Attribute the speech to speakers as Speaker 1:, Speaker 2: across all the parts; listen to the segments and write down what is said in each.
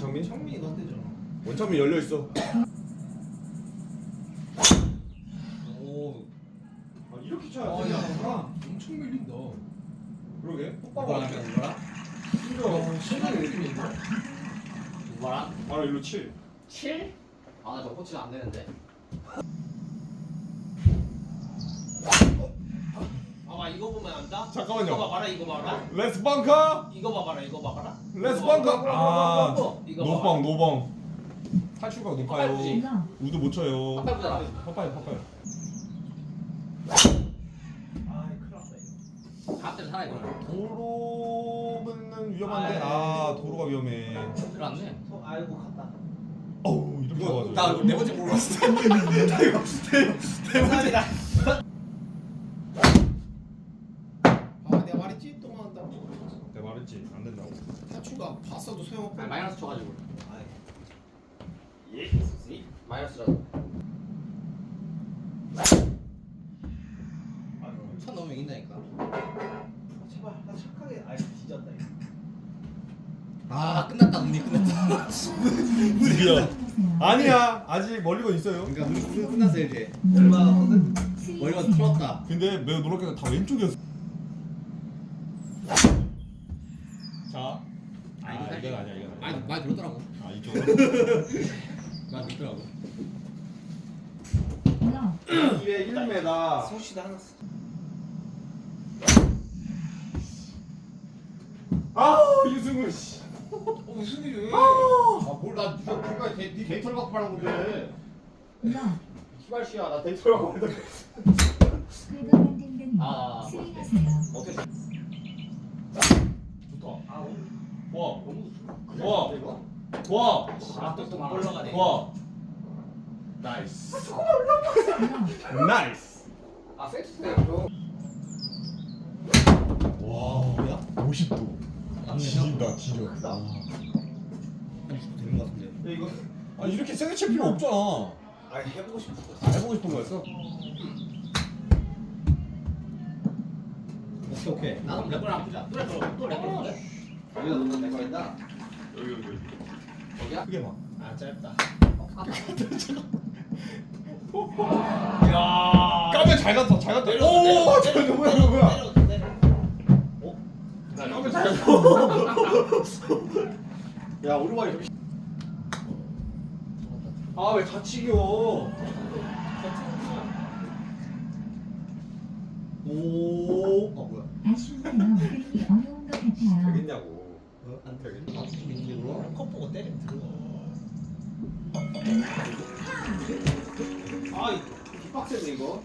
Speaker 1: 원창민?
Speaker 2: 창민이 간대잖아.
Speaker 1: 원창민 열려 있어.
Speaker 2: 오.
Speaker 1: 아, 이렇게 쳐야
Speaker 2: 아,
Speaker 1: 되냐?
Speaker 2: 야, 엄청 밀린다.
Speaker 1: 그러게.
Speaker 3: 누구랑 하면 누구랑?
Speaker 1: 심지어
Speaker 2: 신나게 밀리는데?
Speaker 3: 누구랑?
Speaker 1: 바로 일로 7.
Speaker 3: 7? 아, 나 저거 코치가 안 되는데.
Speaker 2: 봐봐, 이거 보면 안다?
Speaker 1: 잠깐만요.
Speaker 2: 이거 봐봐라, 이거 봐봐라.
Speaker 1: 레스 방카.
Speaker 2: 이거 봐봐라, 이거 봐봐라.
Speaker 1: 레스
Speaker 2: 이거
Speaker 1: 방카.
Speaker 2: 봐봐라.
Speaker 1: 아,
Speaker 2: 이거
Speaker 1: 노방
Speaker 2: 봐봐.
Speaker 1: 노방. 탈출각 높아요.
Speaker 3: 빨리
Speaker 1: 우드 못 쳐요.
Speaker 3: 아빠 보자.
Speaker 1: 파파이.
Speaker 2: 아이, 큰일 났다, 이거.
Speaker 3: 다음때는 살아 이거.
Speaker 1: 도로는 위험한데 아 도로가 위험해.
Speaker 3: 들어왔네.
Speaker 2: 아이고, 갔다.
Speaker 1: 어우 이렇게 가가지고.
Speaker 3: 나네 번째 보러 갔어.
Speaker 2: 대박이다. 아, 내가 말했지? 또 만한다고.
Speaker 1: 내가 말했지 안 된다고.
Speaker 2: 타추가 봤어도 소용없고.
Speaker 3: 아니, 마이너스 쳐가지고.
Speaker 2: 아이.
Speaker 3: 예. 마이너스라도.
Speaker 2: 천 넘으면 이긴다니까. 제발, 나 착하게. 아이, 뒤졌다, 이거.
Speaker 3: 아, 끝났다. 운이 끝났다.
Speaker 1: 드디어. 아니야 아직 멀리건 있어요.
Speaker 3: 그러니까 운이 끝났어 이제.
Speaker 2: 얼마 나거든?
Speaker 3: 머리가 틀었다.
Speaker 1: 근데 매우 놀랍게도 다 왼쪽이었어. 자.
Speaker 3: 아니,
Speaker 1: 이건 아니야 이건 아니야.
Speaker 3: 많이 들었더라고.
Speaker 1: 아 이쪽으로.
Speaker 3: 많이 들더라고.
Speaker 1: 201m.
Speaker 2: 소시도 하나 써.
Speaker 1: 아우 유승우 씨.
Speaker 2: 무슨 일이야?
Speaker 3: 나 그러니까 네 데이터를 갖고 말한 건데.
Speaker 4: 나
Speaker 1: 시발씨야 나 데이터를 갖고 있는데.
Speaker 4: 긁어만 댕댕이
Speaker 3: 아,
Speaker 4: 수행하세요.
Speaker 3: 어때?
Speaker 1: 좋다.
Speaker 2: 아, 오늘
Speaker 1: 좋아.
Speaker 3: 너무
Speaker 1: 좋아.
Speaker 3: 이거?
Speaker 1: 좋아.
Speaker 2: 아, 또 올라가네.
Speaker 1: 좋아. 나이스.
Speaker 4: 나
Speaker 1: 나이스.
Speaker 3: 아, 세트세요.
Speaker 1: 와 뭐야? 50도. 지린다 지려.
Speaker 3: 한 60도 되는 것 같은데.
Speaker 2: 이거
Speaker 1: 아 이렇게 세게 칠 필요 없잖아.
Speaker 2: 아, 해보고 싶어.
Speaker 1: 아, 해보고 싶은 거였어?
Speaker 3: 오케이. 나도 랩을 안 보자. 또 랩을 해. 여기가 너무 내 거인다.
Speaker 1: 여기.
Speaker 3: 여기야?
Speaker 1: 크게 봐.
Speaker 2: 아, 짧다.
Speaker 1: 야. 까면 잘 갔다 잘 갔다.
Speaker 2: 내려,
Speaker 1: 오
Speaker 2: 내려,
Speaker 1: 저거
Speaker 2: 내려,
Speaker 1: 뭐야
Speaker 2: 내려,
Speaker 1: 뭐야.
Speaker 2: 내려, 내려.
Speaker 1: 까면 잘 갔다.
Speaker 3: 야, 오르막이 좀.
Speaker 1: 아왜 다치겨? 오.
Speaker 3: 뭐야?
Speaker 4: 아쉬운데요. 그림이 어려운 것 같아요.
Speaker 1: 되겠냐고.
Speaker 3: 안 되겠네. 아, 이게 그럼?
Speaker 2: 컵 보고 때리면 들어가. 아, 뒷박스네 이거.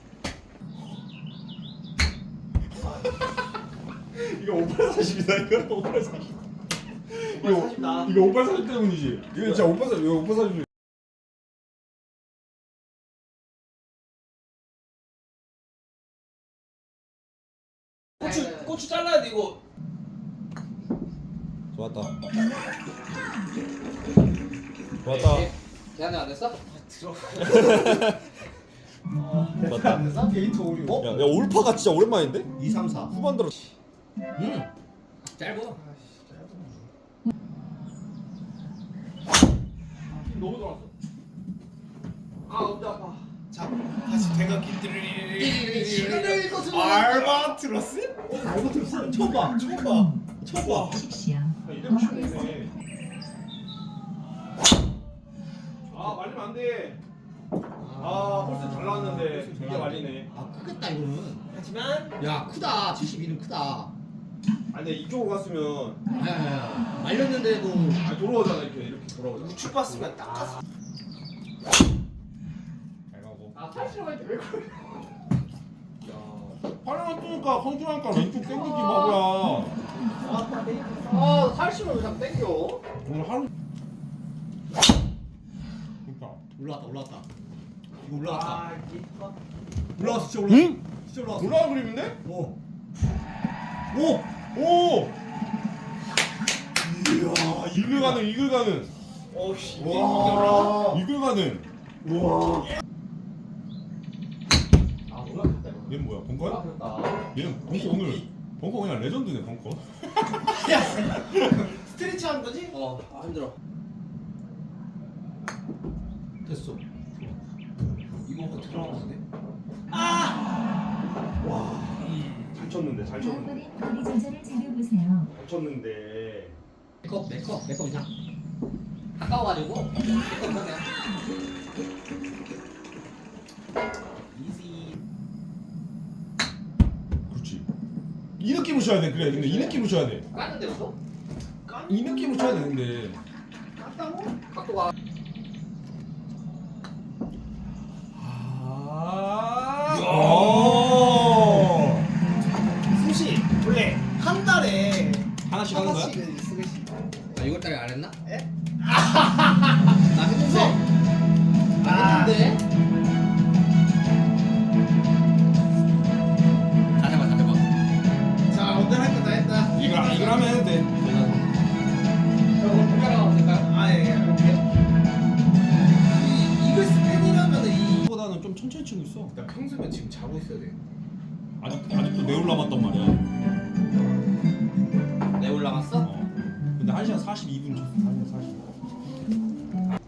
Speaker 1: 이거 5840이다 이거 5840.
Speaker 2: 5840다.
Speaker 1: 이거 5840 때문이지. 이거 진짜 5840 이거 5840.
Speaker 2: 고추 잘라야 돼 이거.
Speaker 1: 좋았다.
Speaker 3: 대안이 안 됐어?
Speaker 1: 좋았다.
Speaker 2: 안 됐어? 데이터 오류.
Speaker 1: 야 올파가 진짜 오랜만인데?
Speaker 3: 2, 3, 4.
Speaker 1: 후반 들어.
Speaker 3: 짧어.
Speaker 1: 너무 좋았어.
Speaker 2: 아, 엉덩이 아파. 자, 다시 대각기 띠리리리리.
Speaker 3: 시간을 거슬러.
Speaker 2: 알바트로스? 알바트로스? 처음 봐. 처음 봐. 처음 봐.
Speaker 4: 하십시오.
Speaker 1: 이대로 치면 되네. 아 말리면 안 돼. 아 홀스 잘 나왔는데 이게 말리네.
Speaker 3: 아, 크겠다 이거는.
Speaker 2: 하지만
Speaker 3: 야, 크다. 72는 크다.
Speaker 1: 아 근데 이쪽으로 갔으면
Speaker 3: 야, 말렸는데도.
Speaker 1: 아 돌아오잖아 이렇게 돌아오잖아.
Speaker 2: 우측 봤으면 딱 갔어.
Speaker 1: 잘 가고.
Speaker 3: 아, 탈출할 때왜 그래?
Speaker 1: 야 팔을 뜨니까 컨트롤하니까 왼쪽 땡기기 바보야.
Speaker 3: 아, 탈출을 왜 자꾸 땡겨?
Speaker 1: 오늘 하루. 그러니까.
Speaker 3: 올라왔다. 이거 올라갔다.
Speaker 2: 아, 이게
Speaker 3: 올라왔어, 진짜 올라왔어.
Speaker 1: 응?
Speaker 3: 진짜 올라왔어.
Speaker 1: 올라간 그림인데?
Speaker 3: 오.
Speaker 1: 오! 이야 이글 가는.
Speaker 2: 어우씨.
Speaker 1: 와 이글 가는. 와.
Speaker 3: 아, 올라갔다 이거.
Speaker 1: 얘는 뭐야 벙커야?
Speaker 3: 올라갔다.
Speaker 1: 얘는 벙커 오늘 벙커 그냥 레전드네 벙커.
Speaker 2: 야, 스트레치 하는 거지?
Speaker 3: 힘들어.
Speaker 2: 됐어. 이거 들어가는데?
Speaker 1: 잘 쳤는데 잘 쳤는데
Speaker 4: 다음번엔 거리 조절을 잘해보세요.
Speaker 1: 잘 쳤는데.
Speaker 3: 내컵 이상. 가까워가지고 내컵 먹냐?
Speaker 2: 이지.
Speaker 1: 그렇지. 이 느낌으로 쳐야 돼. 그래. 근데 이 느낌으로 쳐야 돼.
Speaker 3: 깠는데 또?
Speaker 1: 이 느낌으로 쳐야 되는데.
Speaker 3: 깠다고? 각도가.
Speaker 2: 수시 원래 한 달에
Speaker 1: 하나씩 하는 거야?
Speaker 2: 하나씩은 쓰겠지.
Speaker 3: 아 6월달에 안 했나?
Speaker 2: 에?
Speaker 3: 나 했는데. 나 했는데. 다 잡아.
Speaker 2: 자 오늘 할 거 다 했다.
Speaker 1: 이걸 하면 해도 돼.
Speaker 3: 저 오늘 공개하러 될까요?
Speaker 2: 아예 할게요. 이글 스팬이라면은 이.
Speaker 1: 보다는 좀 천천히 치고 있어.
Speaker 2: 나 평소면 지금 자고 있어야 돼.
Speaker 1: 아직도 내올 남았단 말이야.
Speaker 3: 내 올라갔어?
Speaker 1: 어. 근데 1시간 42분 쳤어. 1시간 42분.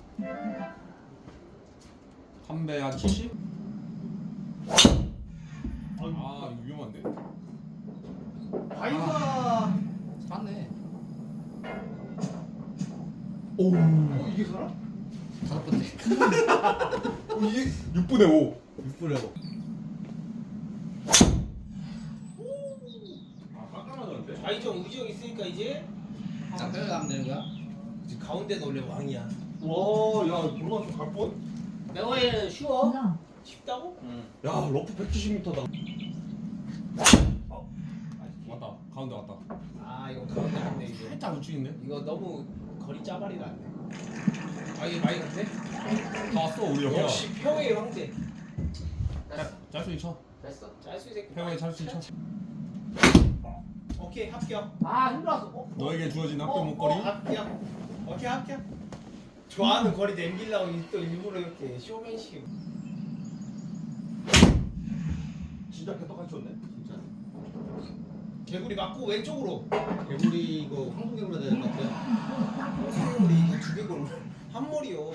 Speaker 1: 담배 한 70? 아 이거 위험한데?
Speaker 2: 바이가.
Speaker 3: 맞네.
Speaker 1: 오.
Speaker 2: 이게 살아?
Speaker 3: 5번째.
Speaker 1: 이게 6분의 5.
Speaker 2: 6분에 뭐.
Speaker 1: 아 깜깜하던데?
Speaker 2: 좌이정 우지정 있으니까 이제
Speaker 3: 자, 빼려 가면 되는 거야?
Speaker 2: 지금 가운데는 원래 왕이야.
Speaker 1: 와야 누나 좀갈 뻔?
Speaker 3: 내거에 쉬워.
Speaker 4: 러
Speaker 2: 쉽다고?
Speaker 3: 응.
Speaker 1: 야 러프 170m다. 왔다. 가운데 왔다.
Speaker 2: 아 이거 가운데 갔네 이거.
Speaker 1: 살짝 우측인데?
Speaker 2: 이거 너무 거리 짜발이 났네. 아 이게 많이 갔네?
Speaker 1: 다 왔어 우리 옆에.
Speaker 2: 역시 평의 황제.
Speaker 1: 짤수 있어.
Speaker 3: 됐어.
Speaker 2: 짤수 새끼.
Speaker 1: 페어웨이 짤수 있어.
Speaker 2: 오케이 합격.
Speaker 3: 아 힘들었어.
Speaker 1: 너에게 주어진 학교 목걸이.
Speaker 2: 합격. 오케이 합격. 좋아하는 거리 남기려고 또 일부러 이렇게 쇼맨식.
Speaker 1: 진짜 개떡같이 쳤네.
Speaker 3: 진짜.
Speaker 2: 개구리 맞고 왼쪽으로.
Speaker 3: 개구리 이거 황금 개구리 되는 것 같아요.
Speaker 2: 개구리 이거 두 개구리 한 머리요.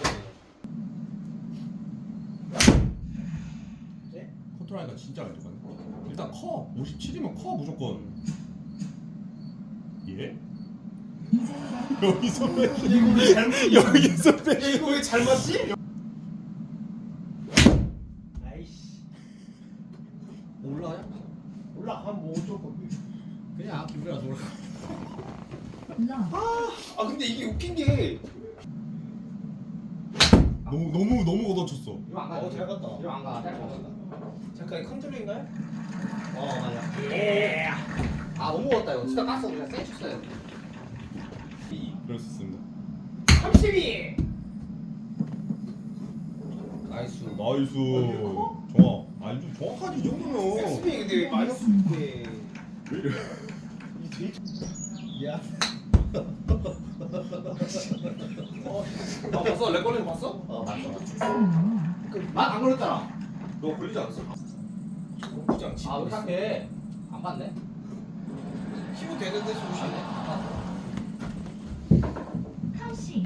Speaker 2: 네?
Speaker 1: 컨트롤하니까 진짜 안 좋거든. 일단 커. 57이면 커 무조건. 예?
Speaker 4: 이정도
Speaker 1: 여기서 빼.
Speaker 2: 이거 왜 잘못?
Speaker 1: 여기서 빼.
Speaker 2: 야 이거 왜 잘 맞지? 아이씨.
Speaker 3: 올라가냐?
Speaker 2: 올라가면 뭐 어쩔 건데.
Speaker 3: 그냥 기분이라서 올라가.
Speaker 4: 러
Speaker 2: 아 근데 이게 웃긴 게.
Speaker 1: 너무 걷어쳤어.
Speaker 3: 이거 안 가.
Speaker 2: 잘 갔다.
Speaker 3: 이거 안 가. 잘 갔다.
Speaker 2: 잠깐 이 컨트롤인가요?
Speaker 3: 맞아.
Speaker 2: 예.
Speaker 3: 아 너무 먹었다 이거. 진짜 깠어. 그냥 센 쳤어야 돼.
Speaker 1: 그럴 수 있습니다.
Speaker 2: 32.
Speaker 3: 나이스.
Speaker 1: 나이스.
Speaker 2: 이거
Speaker 1: 정확. 아니 좀 정확하지 이 정도면.
Speaker 2: 엑스비 근데 왜 마이너스 네.
Speaker 1: 왜 이래?
Speaker 2: 이 되게. 야.
Speaker 1: 아 봤어? 렉 걸리는 거 봤어?
Speaker 4: 주세요.
Speaker 3: 맛안 걸렸잖아.
Speaker 1: 너 걸리지 않았어?
Speaker 2: 공부장
Speaker 3: 아 어떡해. 안 봤네.
Speaker 2: 키고 되는데
Speaker 3: 안
Speaker 2: 소시.
Speaker 3: 봤네. 안 봤어.
Speaker 4: 카시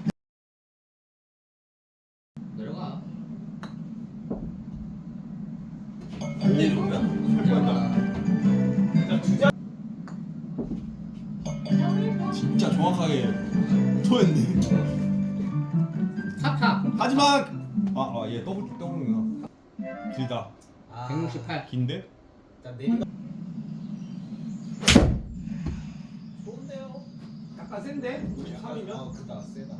Speaker 3: 내려가.
Speaker 2: 안 내려오면.
Speaker 3: 내려가.
Speaker 2: 자 주자.
Speaker 1: 진짜 정확하게 토했네.
Speaker 3: 탑탑.
Speaker 1: 하지만 아얘 더블이구나. 길다.
Speaker 3: 168.
Speaker 1: 긴데?
Speaker 2: 자 내리가. 좋은데요.
Speaker 1: 약간 센데? 53이면?
Speaker 2: 그다 세다.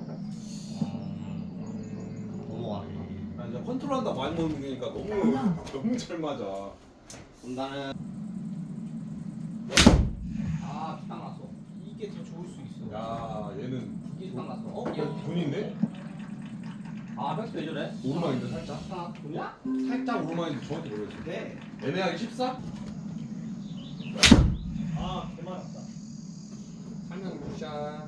Speaker 3: 넘어가.
Speaker 1: 아 이제 컨트롤한다 많이 먹는 게니까 너무 잘 맞아.
Speaker 3: 그럼 나는 피딱 났어.
Speaker 2: 이게 더 좋을 수 있어.
Speaker 1: 야 얘는
Speaker 3: 이게 피딱 났어.
Speaker 1: 돈인데?
Speaker 3: 백스 왜 저래?
Speaker 1: 오르막인데 살짝?
Speaker 3: 아, 돈이야?
Speaker 1: 살짝 오르막인지 정확히 모르겠어.
Speaker 2: 네.
Speaker 1: 애매하게 14?
Speaker 2: 아 개많았다.
Speaker 1: 설명 굿샷.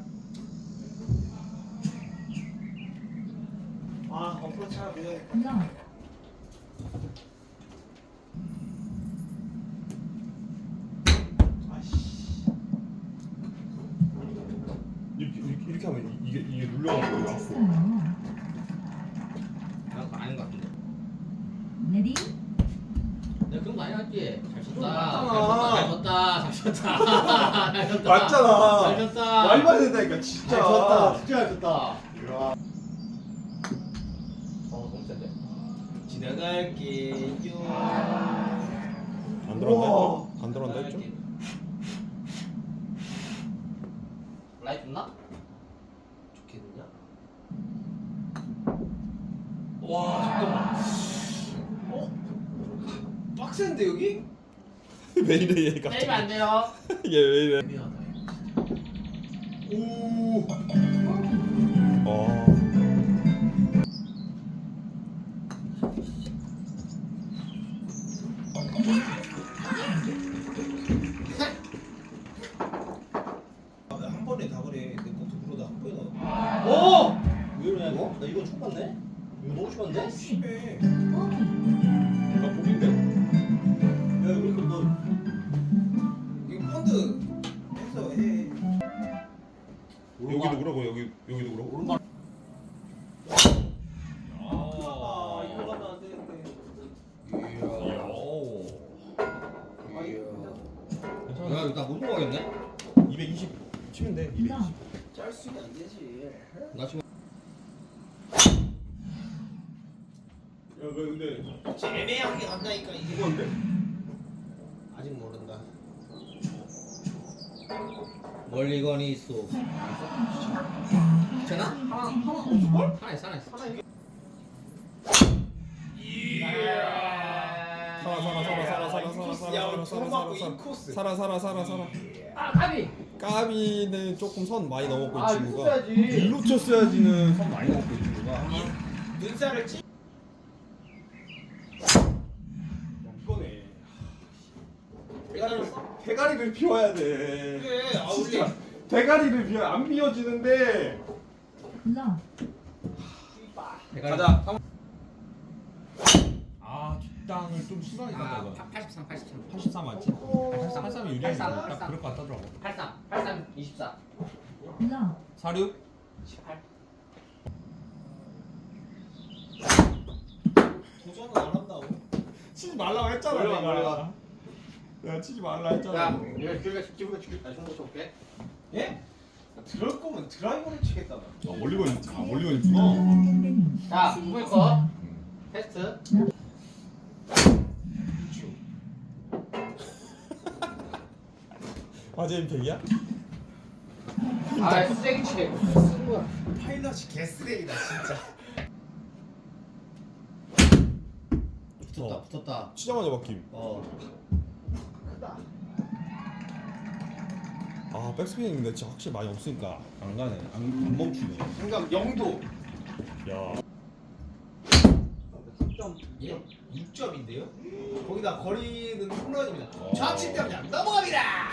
Speaker 2: 아 어프로치 하나 보여야 돼.
Speaker 4: 러
Speaker 2: 아씨.
Speaker 1: 이렇게 하면 이게 눌려가지고 앞으로.
Speaker 4: 쳤어요.
Speaker 3: 프리해. 잘 쳤다.
Speaker 1: 맞잖아.
Speaker 3: 잘 쳤다. 잘 쳤다. 잘 쳤다.
Speaker 1: 맞잖아.
Speaker 3: 잘 쳤다.
Speaker 1: 말도 안 된다니까 진짜.
Speaker 3: 잘 쳤다. 진짜 잘 쳤다. 너무 센데.
Speaker 2: 지나갈게요.
Speaker 1: 안
Speaker 2: 우와.
Speaker 1: 안 들어간다 했죠?
Speaker 3: 라이트 있나?
Speaker 2: 좋겠느냐? 와 잠깐만. 빡센데 여기?
Speaker 1: 왜 이래 얘
Speaker 3: 때리면 안 돼요.
Speaker 1: 얘왜 이래?
Speaker 2: 애매하다. 오.
Speaker 1: 어.
Speaker 2: 한 번에 다 그래. 내 것도 그러다 한 번에 나.
Speaker 3: 오! 왜 이러냐 이거? 나 이거 처음 봤네? 이거 너무 심한데?
Speaker 2: 심해.
Speaker 1: 나 보긴데?
Speaker 3: 야 이거 너
Speaker 2: 이거 펀드 해서 해.
Speaker 1: 여기도 그러고 여기도 그러고.
Speaker 3: 오른발
Speaker 2: 아 이거 가면 안 되는데.
Speaker 3: 야 이거 나못 먹겠네?
Speaker 1: 220 치면 돼. 220.
Speaker 2: 짤 수는 안 되지.
Speaker 3: 나 지금
Speaker 1: 야, 근데
Speaker 2: 진짜 애매하게 간다니까 이게.
Speaker 1: 이건데?
Speaker 2: 아직 모른다.
Speaker 3: 멀리 건이 있어. 괜찮아? 하나 없을걸? 하나 있어.
Speaker 1: 살아.
Speaker 3: 아 가비.
Speaker 1: 까비는 조금 선 많이 넘었고 이
Speaker 3: 아,
Speaker 1: 친구가.
Speaker 3: 이거 써야지.
Speaker 1: 일로 쳤어야지는 선 많이 넘었고 이 친구가.
Speaker 2: 눈살을 찌.
Speaker 1: 이거네.
Speaker 2: 대가리를
Speaker 1: 대가리를 비워야 돼.
Speaker 2: 그래. 아 우리
Speaker 1: 진짜 대가리를 비워 안 비워지는데.
Speaker 4: 러
Speaker 1: 가자. 아 뒷땅을 좀 심하게 갔다 이거.
Speaker 3: 83.
Speaker 1: 83 맞지? 83이 유리하게 딱 그럴 것 같더라고.
Speaker 3: 83, 24.
Speaker 4: 러
Speaker 1: 46?
Speaker 3: 18.
Speaker 2: 도전은 안 한다고.
Speaker 1: 치지 말라고 했잖아.
Speaker 3: 멀리
Speaker 1: 내가 치지 말라 했잖아.
Speaker 3: 야, 내가 기분가 죽일. 나 중국 쳐볼게.
Speaker 2: 예? 들을 거면 드라이버를 치겠다 나.
Speaker 1: 멀리 걸렸지. 멀리
Speaker 4: 러
Speaker 1: 걸렸구나.
Speaker 4: 강경대님
Speaker 3: 자, 누구의 거? 테스트.
Speaker 1: 화재 임팩이야?
Speaker 3: 아, 쓰레기 치네.
Speaker 2: 파일럿이 개쓰레기다 진짜.
Speaker 3: 붙었다.
Speaker 1: 치자마자 바뀜.
Speaker 2: 크다.
Speaker 1: 아 백스핀인데 진짜 확실히 많이 없으니까 안 가네. 안 멈추네.
Speaker 2: 그러니까 영도
Speaker 1: 야.
Speaker 2: 6점인데요? 거기다 거리는 홈런입니다.
Speaker 1: 어.
Speaker 2: 좌측 때문에 안 넘어갑니다.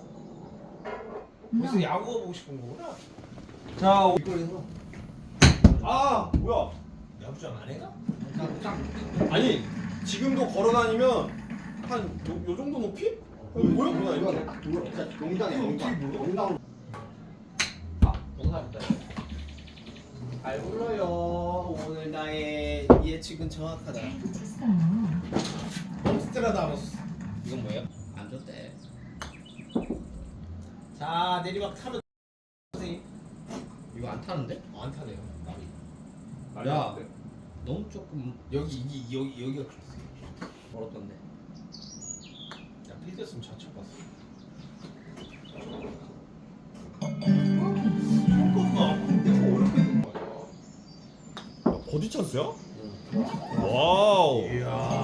Speaker 2: 벌써
Speaker 4: 러
Speaker 2: 야구 보고 싶은 거구나.
Speaker 1: 자.
Speaker 2: 이거에서
Speaker 1: 아 뭐야?
Speaker 2: 야구장 안 해가?
Speaker 1: 아니 지금도 걸어다니면 한 요 정도 높이? 보였구나 이거.
Speaker 3: 진짜 농장이야, 농장. 농사입니다.
Speaker 2: 잘 불러요. 오늘 나의 예측은 정확하다.
Speaker 4: 붙였어요.
Speaker 2: 몬스트라다무스.
Speaker 3: 이건 뭐예요? 안 줬대.
Speaker 2: 자 내리막 타면 선생님.
Speaker 3: 이거 안 타는데?
Speaker 2: 안 타네요.
Speaker 3: 야, 너무 조금
Speaker 2: 여기가 그랬어.
Speaker 3: 멀었던데.
Speaker 2: 야 필드였으면 좌측 봤어. 조금만 내가 어렵게 된 거야.
Speaker 1: 버디 찬스야? 와우.
Speaker 2: 이야.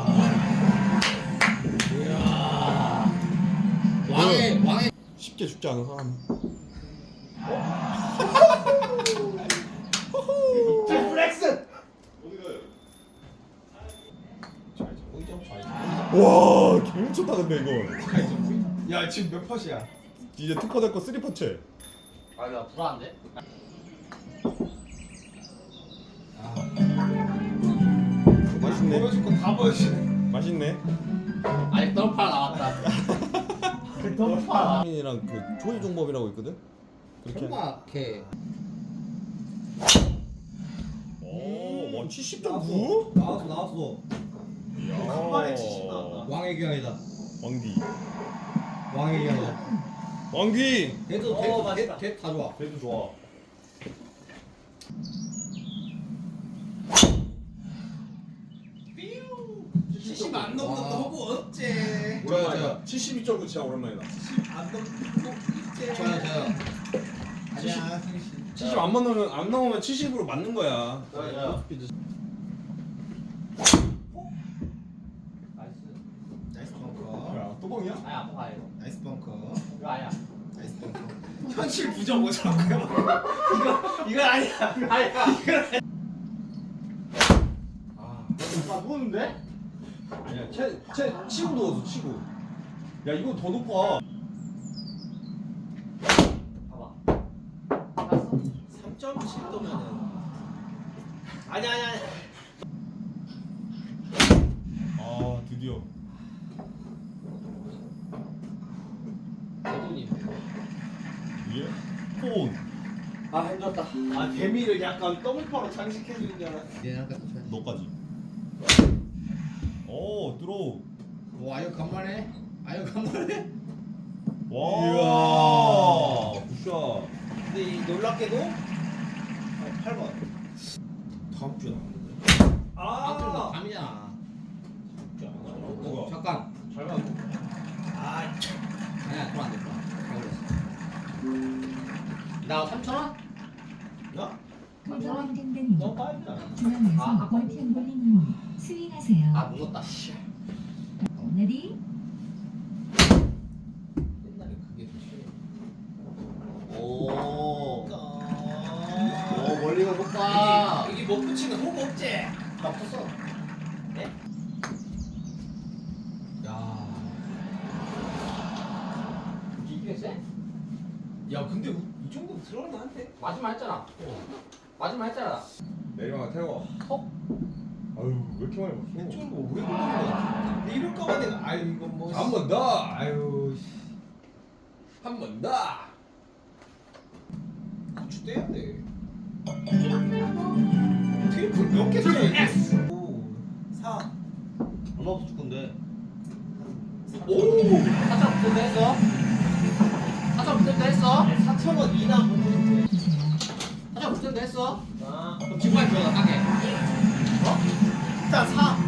Speaker 3: 왕의
Speaker 1: 쉽게 죽지 않은 사람.
Speaker 2: 플렉스.
Speaker 1: 와, 개미쳤다 근데 이거.
Speaker 2: 야 지금 몇 퍼시야?
Speaker 1: 이제 투퍼 될거 3퍼체.
Speaker 3: 아, 야, 불안한데?
Speaker 1: 맛있네.
Speaker 2: 보여줄 거 다 보여주네.
Speaker 1: 맛있네.
Speaker 3: 아직 덜파 나왔다. 그 덜파.
Speaker 1: 이랑 그 조이 종법이라고 있거든. 그렇게.
Speaker 3: 설마 걔
Speaker 1: 오, 와 70.9?
Speaker 2: 나왔어. 간만에 70 나왔다.
Speaker 5: 왕의 기왕이다.
Speaker 1: 왕디.
Speaker 5: 왕의 기왕이다.
Speaker 1: 왕디.
Speaker 2: 어, 맛있다.
Speaker 5: 다 좋아.
Speaker 1: 그래도 좋아.
Speaker 2: 삐우. 70 안 넘는
Speaker 5: 와.
Speaker 2: 너무 어째.
Speaker 1: 오랜만이다. 72.9 진짜 오랜만이다.
Speaker 2: 70 안 넘는 거 어째.
Speaker 5: 저요.
Speaker 2: 아니야, 승희 씨.
Speaker 1: 70 안 넘으면 70으로 맞는 거야.
Speaker 3: 저요.
Speaker 2: 나이스 벙커.
Speaker 1: 야, 또 뻥이야?
Speaker 3: 아야 아빠 가야 이거.
Speaker 2: 나이스 벙커.
Speaker 3: 이거 아니야.
Speaker 2: 나이스 벙커. 현실 부정 오자고요. 이거 아니야.
Speaker 3: 아니야. 아 누웠는데?
Speaker 1: 아니야, 채 치고 누웠어, 치고. 야, 이거 더 높아.
Speaker 3: 봐봐. 알았어.
Speaker 2: 3.7도면은 아니야.
Speaker 1: 아, 드디어.
Speaker 3: 대돈이.
Speaker 1: 이게 폰.
Speaker 3: 아 힘들었다.
Speaker 2: 아 데미를 약간 더블파로 장식해 주는 줄 알았어.
Speaker 5: 얘랑 같이 쳐야 돼.
Speaker 1: 너까지. 오, 들어.
Speaker 5: 와 이거 간만에. 아유 간만에.
Speaker 1: 와. 굿샷.
Speaker 2: 근데 이 놀랍게도 8번 다음 주에 나왔는데.
Speaker 5: 아, 밤이잖아.
Speaker 1: 뭐가?
Speaker 5: 잠깐.
Speaker 1: 잘 맞아.
Speaker 2: 아,
Speaker 5: 아니야 그럼 안 될 거야. 나 3,000원?
Speaker 2: 야?
Speaker 4: 도전 댕댕이
Speaker 2: 너 빠이다.
Speaker 4: 중앙에서 볼펜 볼링 스윙하세요.
Speaker 5: 아 무섭다. 씨.
Speaker 4: 레디
Speaker 5: 옛날에 그게 더 싫어.
Speaker 3: 오.
Speaker 2: 어.
Speaker 3: 오 멀리가 높아.
Speaker 2: 이게 못 붙이는 호구 없지?
Speaker 5: 나 컸어.
Speaker 2: 네?
Speaker 5: 야.
Speaker 3: 이게 세?
Speaker 2: 야, 근데 이 정도 들어가면 안 돼.
Speaker 3: 마지막 했잖아. 마지막 했잖아.
Speaker 1: 내리막 태워.
Speaker 3: 톡.
Speaker 1: 아유, 왜 이렇게 많이 먹어?
Speaker 2: 이쪽은 뭐 오래 걸리는 거야. 근데 이럴까봐 내가 아유 이거 뭐.
Speaker 1: 한 번 더.
Speaker 2: 아유.
Speaker 1: 한 번 더.
Speaker 2: 고추 떼야 돼. 테이프 몇개 써야 돼? 5, 4.
Speaker 3: 얼마부터 줄 건데?
Speaker 2: 오!
Speaker 3: 사천 붙을 했어? 사천 붙을 했어?
Speaker 2: 4,000원 이나 보고 싶대.
Speaker 4: 주세요.
Speaker 3: 사천 붙을 했어?
Speaker 2: 아,
Speaker 5: 그럼 지금까지 들어가 싸게.
Speaker 2: 일단 4.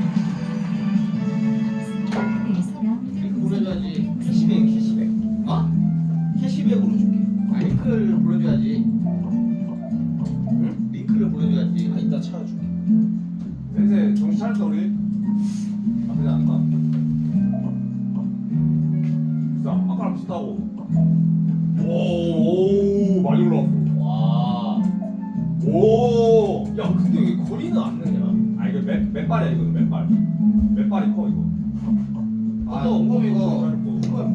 Speaker 3: 링크 보내줘야지.
Speaker 2: 캐시백.
Speaker 3: 어?
Speaker 2: 캐시백으로 줄게.
Speaker 3: 아 링크를 보내줘야지. 응? 링크를 보내줘야지.
Speaker 2: 아, 이따 찾아줄게.
Speaker 1: 센세 정신 차렸다 우리. 나쁘지 않다. 진짜 아까랑 비슷하고. 오, 많이 올라왔어.
Speaker 3: 와.
Speaker 1: 오.
Speaker 2: 야, 근데 왜 거리는 안 느냐?
Speaker 1: 아 이거 맨발이야 이거는 맨발. 맨발이 커 이거.
Speaker 3: 또 엉덩이가
Speaker 1: 짧고.